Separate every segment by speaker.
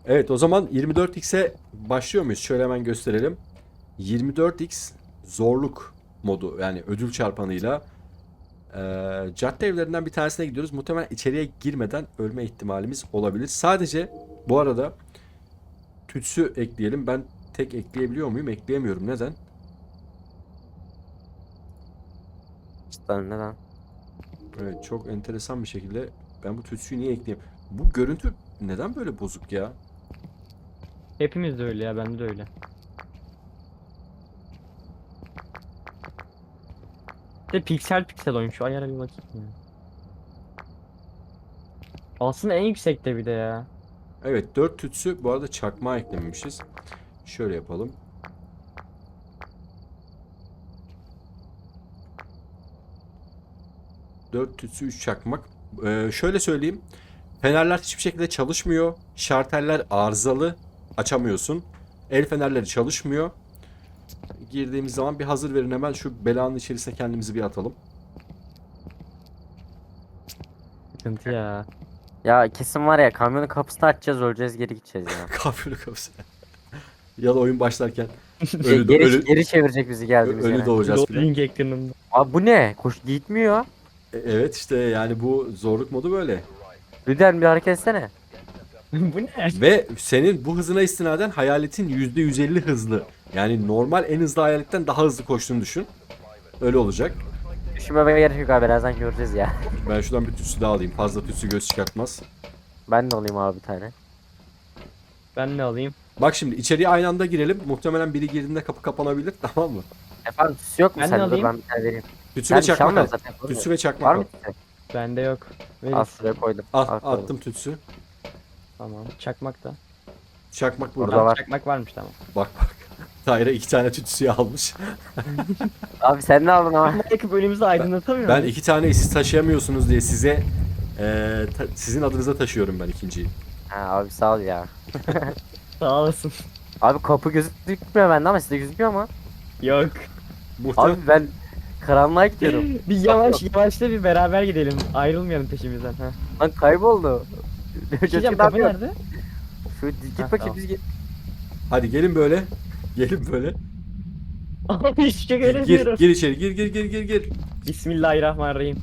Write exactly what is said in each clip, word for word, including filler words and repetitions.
Speaker 1: Evet, o zaman yirmi dört x'e başlıyor muyuz? Şöyle hemen gösterelim. yirmi dört x zorluk modu, yani ödül çarpanıyla eee cadde evlerinden bir tanesine gidiyoruz. Muhtemelen içeriye girmeden ölme ihtimalimiz olabilir. Sadece bu arada tütsü ekleyelim. Ben tek ekleyebiliyor muyum? Ekleyemiyorum. Neden?
Speaker 2: İşte neden?
Speaker 1: Evet, çok enteresan bir şekilde ben bu tütsüyü niye ekleyeyim? Bu görüntü neden böyle bozuk ya?
Speaker 3: Hepimiz de öyle ya, bende de öyle. De piksel piksel oyun, şu ayara bir bakayım ya. Aslında en yüksekte bir de ya.
Speaker 1: Evet, dört tütsü, bu arada çakmağı eklememişiz. Şöyle yapalım. dört tütsü, üç çakmak. Ee, şöyle söyleyeyim. Fenerler hiçbir şekilde çalışmıyor. Şarteller arızalı. Açamıyorsun. El fenerleri çalışmıyor. Girdiğimiz zaman bir hazır verin, hemen şu belanın içerisine kendimizi bir atalım.
Speaker 3: Sıkıntı ya.
Speaker 2: Ya kesin var ya, kamyonun kapısını açacağız, öleceğiz, geri gideceğiz ya.
Speaker 1: Kafiri kapısı. Ya da oyun başlarken
Speaker 2: Ge-
Speaker 1: ölü,
Speaker 2: geri,
Speaker 1: ölü,
Speaker 2: geri çevirecek bizi geldiğimiz
Speaker 1: ölü
Speaker 2: yere.
Speaker 1: doğacağız filan.
Speaker 3: Loading ekranında.
Speaker 2: Abi bu ne? Koş gitmiyor.
Speaker 1: E, Evet işte, yani bu zorluk modu böyle.
Speaker 2: Lüden bir hareket etsene.
Speaker 3: Bu ne?
Speaker 1: Ve senin bu hızına istinaden hayaletin yüzde yüz elli hızlı. Yani normal en hızlı hayaletten daha hızlı koştuğunu düşün. Öyle olacak.
Speaker 2: Düşünmeme gerek yok abi, birazdan göreceğiz ya.
Speaker 1: Ben şuradan bir tütsü daha alayım. Fazla tütsü göz çıkartmaz.
Speaker 2: Ben de alayım abi bir tane.
Speaker 3: Ben ne alayım?
Speaker 1: Bak şimdi içeriye aynı anda girelim. Muhtemelen biri girdiğinde kapı kapanabilir, tamam mı?
Speaker 2: Efendim tüs yok mu
Speaker 3: Ben ne
Speaker 2: sende? Dur
Speaker 3: alayım?
Speaker 2: ben bir tane vereyim.
Speaker 1: Tütsü
Speaker 2: Ben
Speaker 1: ve
Speaker 2: bir şey
Speaker 1: çakmak al.
Speaker 2: almıyorum zaten.
Speaker 1: Tütsü ve
Speaker 2: Var
Speaker 1: çakmak al.
Speaker 2: mı tüsü?
Speaker 3: Bende yok. Verin.
Speaker 2: Al şuraya koydum.
Speaker 1: Al,
Speaker 2: koydum.
Speaker 1: attım tütsü.
Speaker 3: Tamam. Çakmak da.
Speaker 1: Çakmak burada.
Speaker 2: Burada
Speaker 3: Tamam,
Speaker 2: var.
Speaker 3: çakmak varmış, tamam.
Speaker 1: Bak bak. Tayra iki tane tütsüyü almış.
Speaker 2: Abi sen ne aldın ama?
Speaker 3: Belki bölümümüzü aydınlatamıyor
Speaker 1: Ben
Speaker 3: muyum?
Speaker 1: iki tane siz taşıyamıyorsunuz diye size eee, ta- sizin adınıza taşıyorum ben ikinciyi.
Speaker 2: Ha, abi sağ ol ya.
Speaker 3: Sağ olasın.
Speaker 2: Abi kapı gözükmüyor bende ama sizde gözüküyor mu?
Speaker 3: Yok.
Speaker 1: Muhtemelen
Speaker 2: Abi ben karanlığa gidiyorum.
Speaker 3: Bir yavaş yavaşla bir beraber gidelim. Ayrılmayalım peşimizden. Ha.
Speaker 2: Lan kayboldu.
Speaker 3: Bir şey diyeceğim,
Speaker 2: Gözüküyor,
Speaker 3: kapı
Speaker 2: ne yapıyor?
Speaker 3: nerede?
Speaker 2: Şu git
Speaker 3: Ha,
Speaker 2: bakayım
Speaker 3: tamam.
Speaker 2: biz git.
Speaker 1: hadi gelin böyle. Gelin böyle.
Speaker 3: Abi hiç şey
Speaker 1: Gir, gir,
Speaker 3: göremiyorum.
Speaker 1: gir içeri. Gir, gir, gir, gir, gir.
Speaker 3: Bismillahirrahmanirrahim.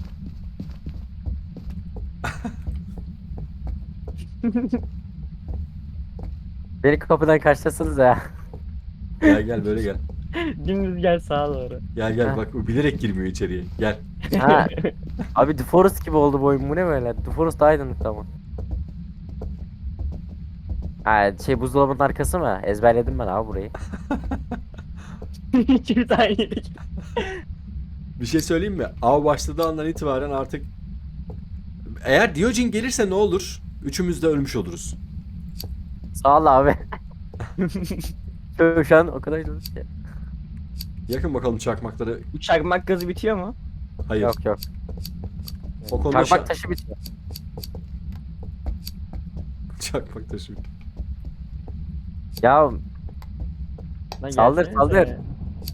Speaker 2: Beni kapıdan karşılasanız ya.
Speaker 1: Gel gel böyle gel.
Speaker 3: Dümdüz gel sağa doğru.
Speaker 1: Gel gel,
Speaker 2: Ha.
Speaker 1: bak o bilerek girmiyor içeriye. Gel.
Speaker 2: Ha. Abi The Forest gibi oldu bu oyun. Bu ne böyle? The Forest daha aydınlık ama. Ha şey, buzdolabının arkası mı? Ezberledim ben abi burayı.
Speaker 3: İkimiz aynı yere gittik.
Speaker 1: Bir şey söyleyeyim mi? Av başladığı andan itibaren artık, eğer Diyojen gelirse ne olur? Üçümüz de ölmüş oluruz.
Speaker 2: Sağ ol abi. Şu- Şu an o kadar üzüldüm ki.
Speaker 1: Yakın bakalım çakmakları.
Speaker 3: Bu çakmak gazı bitiyor mu?
Speaker 1: Hayır.
Speaker 2: Yok yok.
Speaker 1: O konuda şa-
Speaker 2: Çakmak taşı bitiyor.
Speaker 1: çakmak taşı.
Speaker 2: Ya
Speaker 3: Lan
Speaker 2: Saldır,
Speaker 3: gelsene
Speaker 2: saldır.
Speaker 3: sen.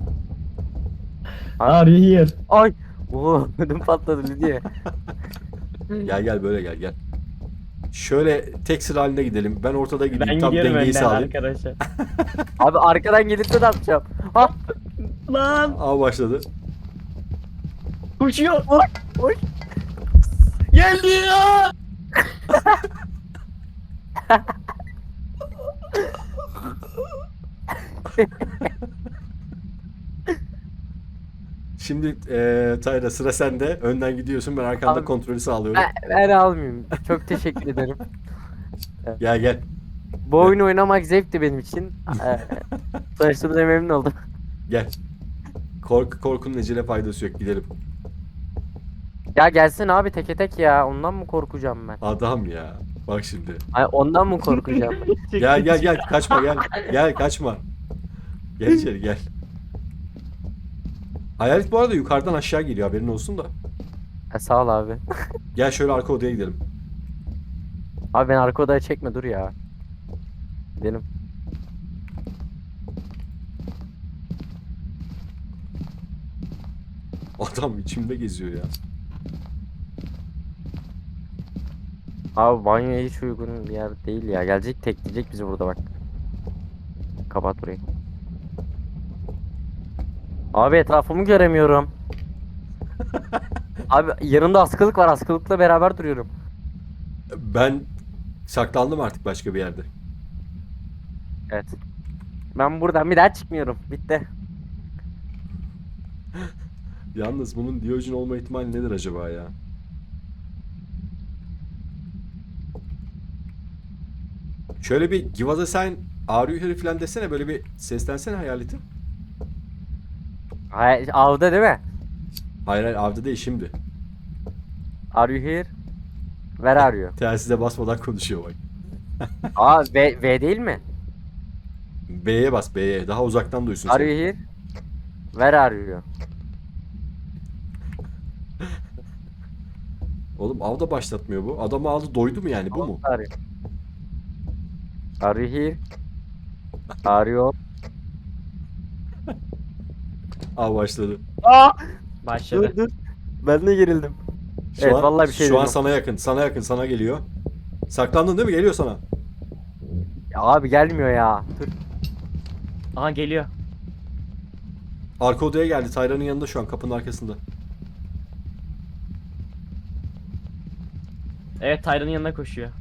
Speaker 3: Are you here?
Speaker 2: ay. Oo ödüm patladı Lidya.
Speaker 1: Gel gel böyle gel gel. Şöyle tek sıra halinde gidelim. Ben ortada
Speaker 3: Ben
Speaker 1: gideyim, tam
Speaker 3: gidiyorum
Speaker 1: dengeyi
Speaker 3: önden
Speaker 1: sağlayayım.
Speaker 3: arkadaşlar.
Speaker 2: Abi arkadan gelirse ne yapacağım? Ha
Speaker 3: Lan
Speaker 1: Av başladı.
Speaker 3: uçuyor.
Speaker 2: oy oy.
Speaker 3: Geldi ya.
Speaker 1: Şimdi eee Tayra, sıra sende. Önden gidiyorsun, ben arkanda
Speaker 2: Abi-
Speaker 1: kontrolü sağlıyorum.
Speaker 2: Ben, ben almayayım. Çok teşekkür ederim.
Speaker 1: Gel gel.
Speaker 2: Bu oyunu oynamak zevkti benim için. Ee, Tanıştığımıza memnun oldum.
Speaker 1: Gel. Korku korkunun ecele faydası yok, gidelim.
Speaker 2: Ya gelsin abi teke tek ya. Ondan mı korkacağım ben?
Speaker 1: Adam ya. Bak şimdi.
Speaker 2: Ay ondan mı korkacağım?
Speaker 1: Gel gel gel, kaçma gel. Gel kaçma. Gel içeri gel. Hayalet bu arada yukarıdan aşağı geliyor, haberin olsun da.
Speaker 2: Ha, sağ ol abi.
Speaker 1: Gel şöyle arka odaya gidelim.
Speaker 2: Abi ben arka odaya çekme dur ya. Gidelim.
Speaker 1: Adam içimde geziyor ya.
Speaker 2: Abi banyoya hiç uygun bir yer değil ya. Gelecek tekleyecek bizi burada bak. Kapat burayı. Abi etrafımı göremiyorum. Abi yanımda askılık var. Askılıkla beraber duruyorum.
Speaker 1: Ben saklandım artık başka bir yerde.
Speaker 2: Evet. Ben buradan bir daha çıkmıyorum. Bitti.
Speaker 1: Yalnız bunun Diyojen olma ihtimali nedir acaba ya? Şöyle bir give us a sign, are you here falan desene, böyle bir seslensene hayaleti.
Speaker 2: Hay avda değil mi?
Speaker 1: Hayır hayır, avda değil şimdi.
Speaker 2: Are you here? Where are you?
Speaker 1: Telsize basmadan konuşuyor bak.
Speaker 2: Aa V, V değil mi?
Speaker 1: B'ye bas, B'ye. Daha uzaktan duysun
Speaker 2: Are you
Speaker 1: seni.
Speaker 2: here? Where are you?
Speaker 1: Oğlum avda başlatmıyor bu. Adamı aldı, doydu mu yani, bu mu?
Speaker 2: Are you? Are you here? Are you?
Speaker 1: Av başladı.
Speaker 2: Aa!
Speaker 3: Başladı.
Speaker 2: Dur dur. Ben de gerildim.
Speaker 1: Şu
Speaker 2: Evet,
Speaker 1: an,
Speaker 2: vallahi bir şey
Speaker 1: Şu an
Speaker 2: duydum.
Speaker 1: sana yakın, sana yakın, sana geliyor. Saklandın değil mi? Geliyor sana.
Speaker 2: Ya abi gelmiyor ya. Dur.
Speaker 3: Aha geliyor.
Speaker 1: Arka odaya geldi. Tayran'ın yanında şu an, kapının arkasında.
Speaker 3: Evet, Tyra'nın yanına koşuyor.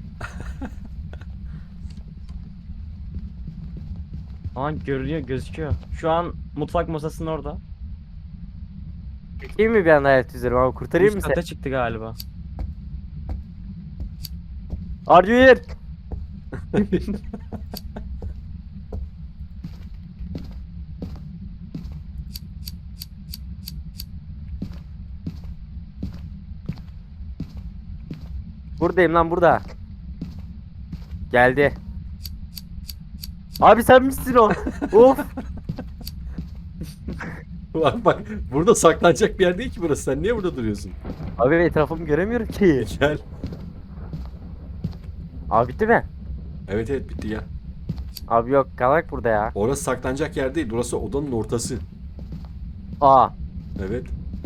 Speaker 3: Aha görünüyor, gözüküyor. Şu an mutfak masasının orada.
Speaker 2: Çekeyim mi bir anda hayat üzerime abi? Kurtarayım mı
Speaker 3: Üst
Speaker 2: seni?
Speaker 3: kata çıktı galiba.
Speaker 2: Are you here? Buradayım lan, burada. Geldi. Abi sen misin o? Of.
Speaker 1: Bak bak, burada saklanacak bir yer değil ki burası. Sen niye burada duruyorsun?
Speaker 2: Abi etrafımı göremiyorum ki.
Speaker 1: Gel.
Speaker 2: Abi bitti mi?
Speaker 1: Evet evet, bitti, gel.
Speaker 2: Abi yok, kalak burada ya.
Speaker 1: Orası saklanacak yer değil. Burası odanın ortası.
Speaker 2: Aa.
Speaker 1: Evet.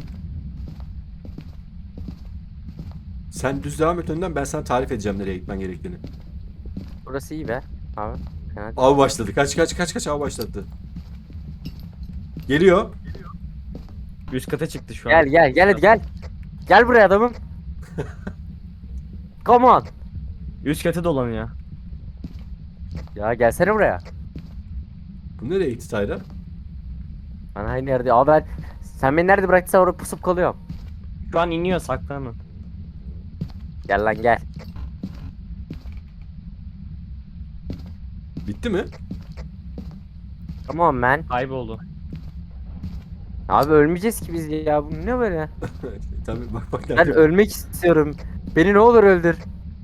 Speaker 1: Sen düz devam et önden, ben sana tarif edeceğim nereye gitmen gerektiğini.
Speaker 2: Burası iyi be. Abi. Fena değil.
Speaker 1: Av başladı. Kaç kaç kaç kaç, av başladı. Geliyor.
Speaker 3: Üst kata çıktı şu an.
Speaker 2: Gel gel gel hadi gel. Gel buraya adamım. Come on.
Speaker 3: Üst kata dolanıyor.
Speaker 2: Ya gelsene buraya.
Speaker 1: Bu nereye gitti Tayran?
Speaker 2: Ben aynı yerde. Abi ben... Sen beni nerede bıraktıysan orada pusup kalıyorum.
Speaker 3: Şu an iniyor, saklanın.
Speaker 2: Gel lan gel.
Speaker 1: Bitti mi?
Speaker 2: Come on man.
Speaker 3: Kayboldu.
Speaker 2: Abi ölmeyeceğiz ki biz ya. Bu ne böyle?
Speaker 1: Tabii, bak bak
Speaker 2: Ben
Speaker 1: nerede.
Speaker 2: ölmek istiyorum. Beni ne olur öldür.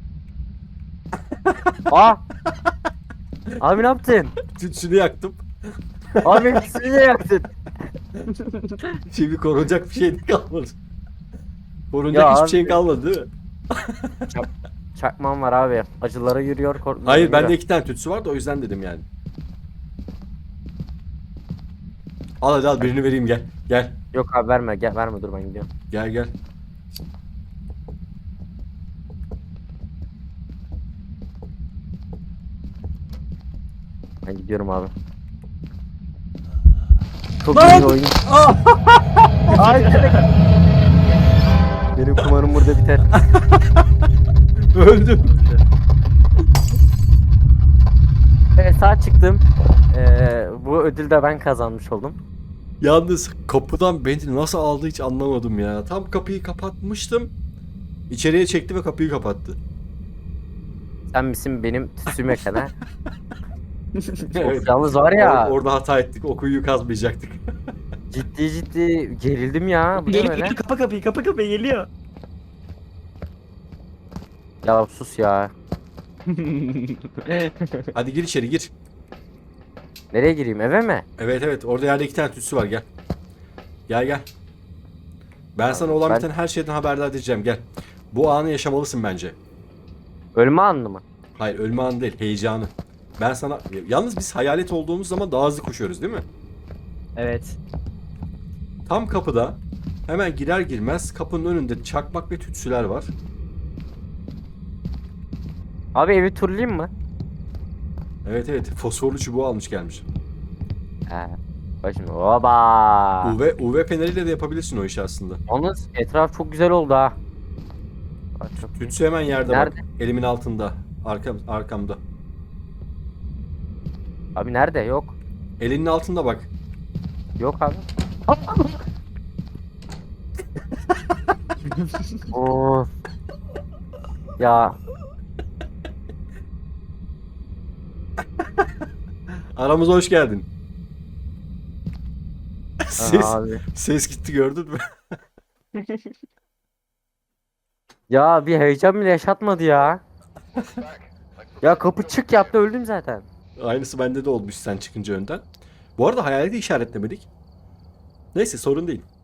Speaker 2: Aa! Abi ne yaptın?
Speaker 1: Tütsünü yaktım.
Speaker 2: Abi ikisini de yaktın.
Speaker 1: Şimdi korunacak bir şey de kalmadı. Korunacak
Speaker 2: Ya
Speaker 1: hiçbir
Speaker 2: abi.
Speaker 1: şeyin kalmadı değil mi?
Speaker 2: Çakmam var abi. Acılara yürüyor. korkmuyor,
Speaker 1: Hayır,
Speaker 2: yürüyor.
Speaker 1: bende iki tane tütsü vardı, o yüzden dedim yani. Al hadi, al birini vereyim, gel. Gel.
Speaker 2: Yok abi verme. Gel verme, dur ben gidiyorum.
Speaker 1: Gel gel.
Speaker 2: Ben gidiyorum abi. Çok iyi bir oyun. Ay, benim kumarım burada biter.
Speaker 1: Öldüm.
Speaker 2: Evet, sağ çıktım. Ee, bu ödülü de ben kazanmış oldum.
Speaker 1: Yalnız kapıdan beni nasıl aldı hiç anlamadım ya. Tam kapıyı kapatmıştım. İçeriye çekti ve kapıyı kapattı.
Speaker 2: Sen misin benim tütsüm yakan ha?
Speaker 1: Evet.
Speaker 2: Of, yalnız var ya,
Speaker 1: Or- orada hata ettik. O kuyuyu kazmayacaktık.
Speaker 2: ciddi ciddi gerildim ya. Bu ne
Speaker 3: Geliyor,
Speaker 2: böyle?
Speaker 3: geliyor, kapa kapıyı, kapa kapıyı, geliyor.
Speaker 2: Ya sus ya.
Speaker 1: Hadi gir içeri, gir.
Speaker 2: Nereye gireyim, eve mi?
Speaker 1: Evet evet, orada yerde iki tane tütsü var, gel. Gel gel. Ben sana
Speaker 2: Tamam,
Speaker 1: olan
Speaker 2: ben-
Speaker 1: biten her şeyden haberdar edeceğim, gel. Bu anı yaşamalısın bence.
Speaker 2: Ölme anlı mı?
Speaker 1: Hayır, ölme anı değil, heyecanı. Ben sana... Yalnız biz hayalet olduğumuz zaman daha hızlı koşuyoruz değil mi?
Speaker 3: Evet.
Speaker 1: Tam kapıda, hemen girer girmez kapının önünde çakmak ve tütsüler var.
Speaker 2: Abi evi turlayayım mı?
Speaker 1: Evet evet, fosforlu çubuğu almış gelmiş.
Speaker 2: He. Bak şimdi oba.
Speaker 1: U V, U V paneliyle de yapabilirsin o işi aslında.
Speaker 2: Yalnız etraf çok güzel oldu ha. Bak çok iyi.
Speaker 1: Tütsü hemen yerde
Speaker 2: Nerede?
Speaker 1: bak. Elimin altında. Arkam, arkamda.
Speaker 2: Abi nerede? Yok.
Speaker 1: Elinin altında bak.
Speaker 2: Yok abi. Oo. Ya
Speaker 1: Aramıza hoş geldin. Ses,
Speaker 2: abi.
Speaker 1: ses gitti, gördün mü?
Speaker 2: Ya bir heyecan bile yaşatmadı ya. Ya kapı çık yaptı öldüm zaten.
Speaker 1: Aynısı bende de olmuş sen çıkınca önden. Bu arada hayaleti işaretlemedik. Neyse, sorun değil.